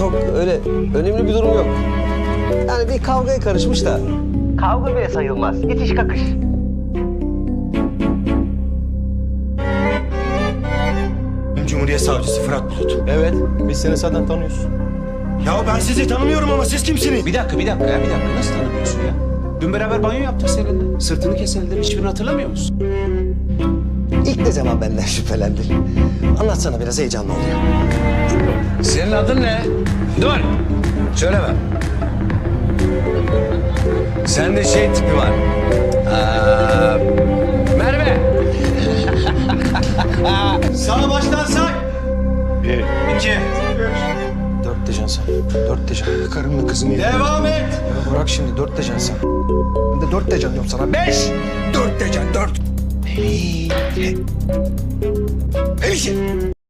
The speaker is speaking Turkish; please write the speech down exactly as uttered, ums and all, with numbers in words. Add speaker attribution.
Speaker 1: Yok öyle önemli bir durum yok. Yani bir kavgaya karışmış da. Kavga bile sayılmaz. İtiş kakış.
Speaker 2: Cumhuriyet Savcısı Fırat Bulut.
Speaker 3: Evet, biz seni zaten tanıyoruz.
Speaker 2: Ya ben sizi tanımıyorum ama siz kimsiniz?
Speaker 4: Bir dakika, bir dakika ya, bir dakika. Nasıl tanımıyorsun ya? Dün beraber banyo yaptık seninle. Sırtını keseldiler, hiçbirini hatırlamıyor musun?
Speaker 1: İlk ne zaman benden şüphelendin? Anlatsana biraz heyecanlı oluyor.
Speaker 4: Senin adın ne? Dur! Söyleme. Sende şey tipi var. Aa, Merve!
Speaker 2: Sağ baştan say.
Speaker 3: Bir,
Speaker 2: İki.
Speaker 3: dört diyeceksin sen. Dört diyeceksin. Karımla kızımı yedin.
Speaker 2: Devam et.
Speaker 3: Ya bırak şimdi, dört diyeceksin sen. Ben de dört diyeceğim diyorum sana. Beş!
Speaker 2: Dört diyeceksin, dört. Melih. Melih.